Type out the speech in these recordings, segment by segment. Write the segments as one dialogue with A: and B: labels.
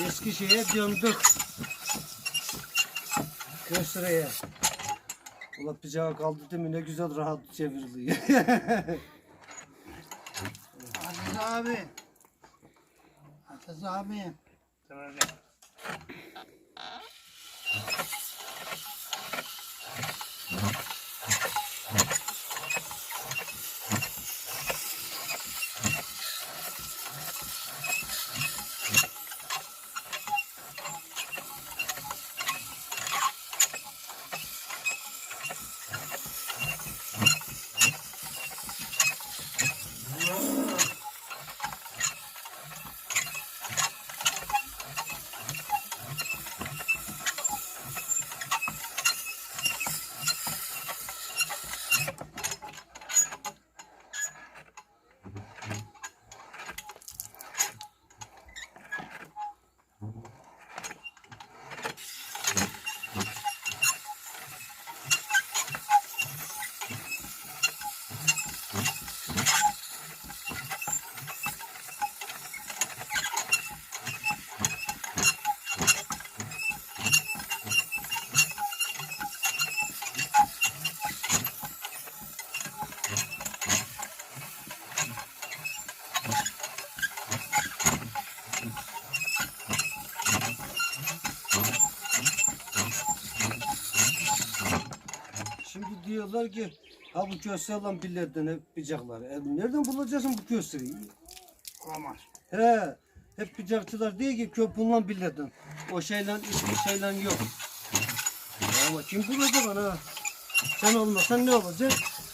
A: Eski şeye döndük. Köşeye. Ulan bıçağı kaldı değil mi? Ne güzel rahat çevriliyor.
B: Aziz abi. Aziz abi. Tamam.
A: Şimdi diyorlar ki ha bu köse olan billerden hep bıçaklar. Nereden bulacaksın bu köseyi?
B: Olamaz.
A: He. Hep bıçakçılar diyor ki köpüğünden billerden. O şeyle hiçbir şeyle yok. Ya ama kim bulacak bana? Sen olmasan ne olacak?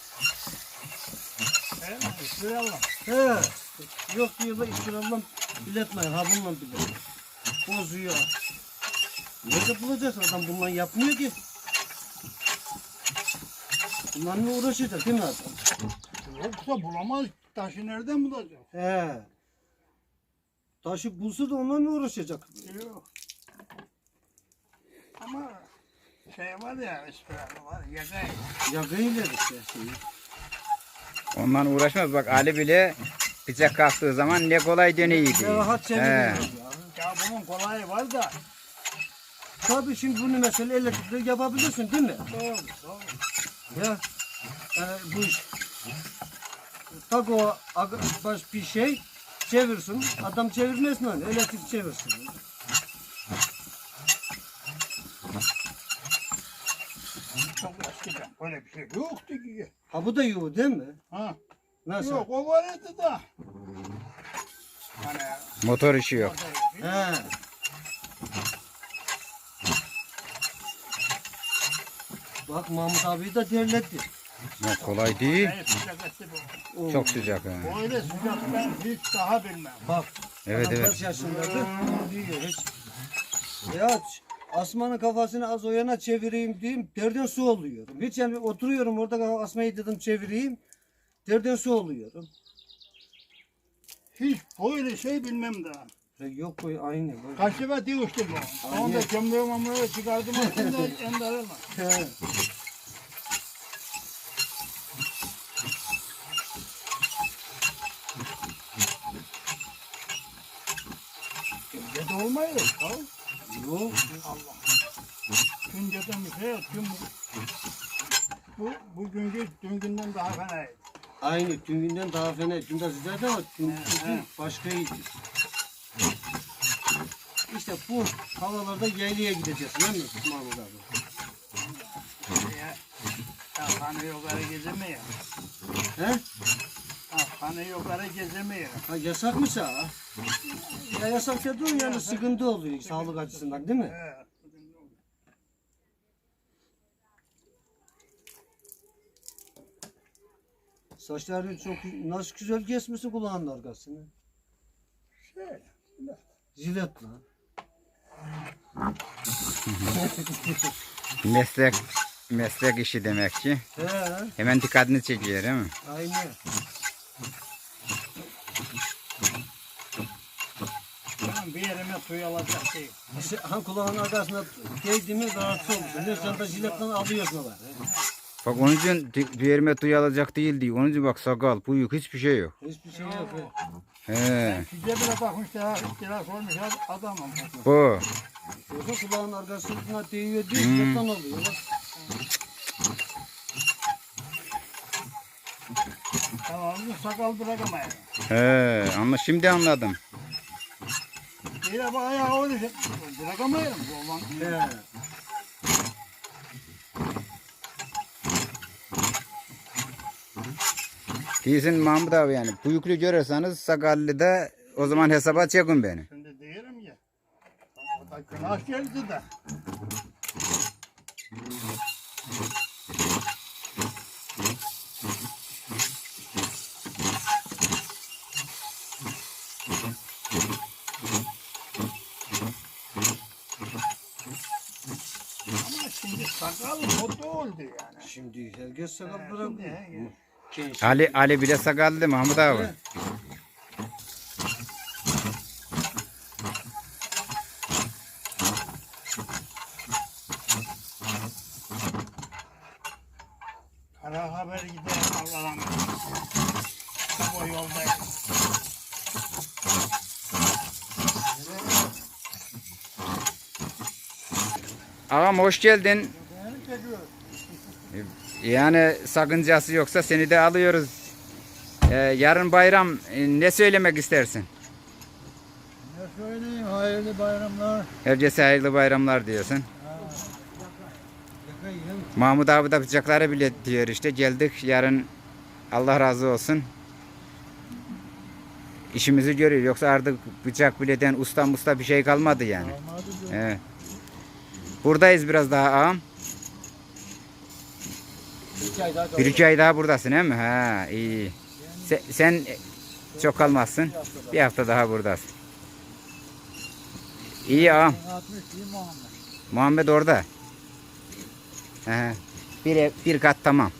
B: İstirallah.
A: He. Yok diyorlar İstirallah biletmeyin. Ha bununla bilet. Bozuyor. Nerede bulacaksın adam bununla yapmıyor ki. Bunlarla uğraşacak değil mi adam?
B: Yoksa bulamaz. Taşı nereden bulacak?
A: He. Taşı bulsa da onlarla uğraşacak.
B: Yok. Ama şey var ya, İstirallah var. Yakay.
A: Yakayla işte şeyi.
C: Ondan uğraşmaz. Bak Ali bile bıçak kalktığı zaman ne kolay dönüyordu.
A: Ne rahat çeviriyor ya.
B: Ya bunun kolayı var da.
A: Tabii şimdi bunu mesela elektrikle yapabilirsin değil mi?
B: Doğru, doğru.
A: Ya bu iş tak o baş bir şey çevirsin. Adam çevirmez mi? Elektrik çevirsin.
B: Çok eskiden böyle bir şey yoktu ki.
A: Ha bu da yok değil mi?
B: Ha.
A: Nasıl?
B: Yok, o vardı da. Hani
C: Motor işi yok.
A: He. Bak Mahmut abi de terletti.
C: Ya kolay değil.
B: şey, sıcak etti bu.
A: Oo.
C: Çok sıcak. Ha.
B: Öyle sıcak ben hiç daha bilmem.
A: Bak.
C: Evet
A: adam
C: evet.
A: kaç yaşındadır? Diyor hiç. Ya asmanın kafasını az o yana çevireyim diyeyim. Derden su oluyorum. Hiç yani oturuyorum orada asmayı dedim çevireyim. Derden su oluyorum.
B: Hiç böyle şey bilmem daha.
A: Yok bu aynı. Böyle.
B: Kaç sefer diyoruştum bu. Onu da gömleğimi çıkardım aslında endarılma.
A: He.
B: Gece olmayır. Tamam.
A: Yok.
B: Allah. Günceden bir şey yok. Bugünkü dün günden daha fenaydı.
A: Aynı tüm günden daha fena. Dün de sıcaktı ama dün
B: he.
A: başkaydı. İşte bu havalarda yaylaya gideceğiz değil mi Mahmut abi?
B: Ya hanı yukarı gezemiyor.
A: He?
B: Hanı yukarı gezemiyor.
A: Ha yasak mı sağ? Ya yasak dediğin yani sıkıntı oluyor sağlık açısından değil mi?
B: Evet.
A: Saçları çok nasıl güzel kesmişsin kulağının arkasını.
B: Şey.
A: Jilet lan.
C: Meslek işi demek ki.
A: He,
C: Hemen dikkatini çekiyor değil mi?
A: aynen.
B: Tamam, bir yerime suyu alacak değil.
A: Ha kulağının arkasına değdi mi rahatsız olursun. Ne sen de jiletle alıyorsun var.
C: Bak onun için bir yerime duyu alacak değil diyor. Onun için bak sakal, bıyık hiçbir şey yok.
A: Hiçbir şey yok.
C: He.
B: Size bile takmış ya. Kira sormuş adamım.
C: Bu.
A: Yoksa kulağın arkasına değiyor değil, yatan oluyor. Bak.
B: Tamam, sakal bırakamayın.
C: He. Ama şimdi anladım.
B: Yine bak ayağı öyle bırakamayın. Olan.
A: He.
C: Değilsin Mahmut abi yani. Büyüklü görürseniz sakallı da o zaman hesaba çekin beni.
B: Şimdi diyelim ya. O da günah geldi de. Ama şimdi sakal foto oldu yani.
A: Şimdi herkes sakal
B: Şimdi,
A: bırakıyor.
B: he.
A: Genç.
C: Ali bile sakallı Mahmut abi.
A: He.
B: Kara haber gider Allah'ım. Bu yoldayım.
C: Ağam hoş geldin.
B: Benim çekiyor.
C: Yani sakıncası yoksa seni de alıyoruz. Yarın bayram ne söylemek istersin?
B: Ne söyleyeyim, hayırlı bayramlar.
C: Herkese hayırlı bayramlar diyorsun. Mahmut abi da bıçakları bile diyor işte geldik yarın Allah razı olsun. İşimizi görüyor yoksa artık bıçak bileden usta bir şey kalmadı yani. Evet. Buradayız biraz daha ağam. Bir iki ay daha buradasın değil mi? Ha iyi. Sen çok kalmazsın. Bir hafta daha buradasın. İyi ağam. Muhammed orada. He. Bir kat tamam.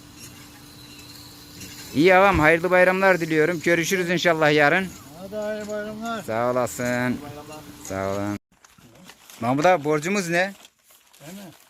C: İyi ağam hayırlı bayramlar diliyorum. Görüşürüz inşallah yarın.
B: Hadi hayırlı bayramlar.
C: Sağ olasın. Sağ olun. Mahmut abi borcumuz ne?
B: Değil mi?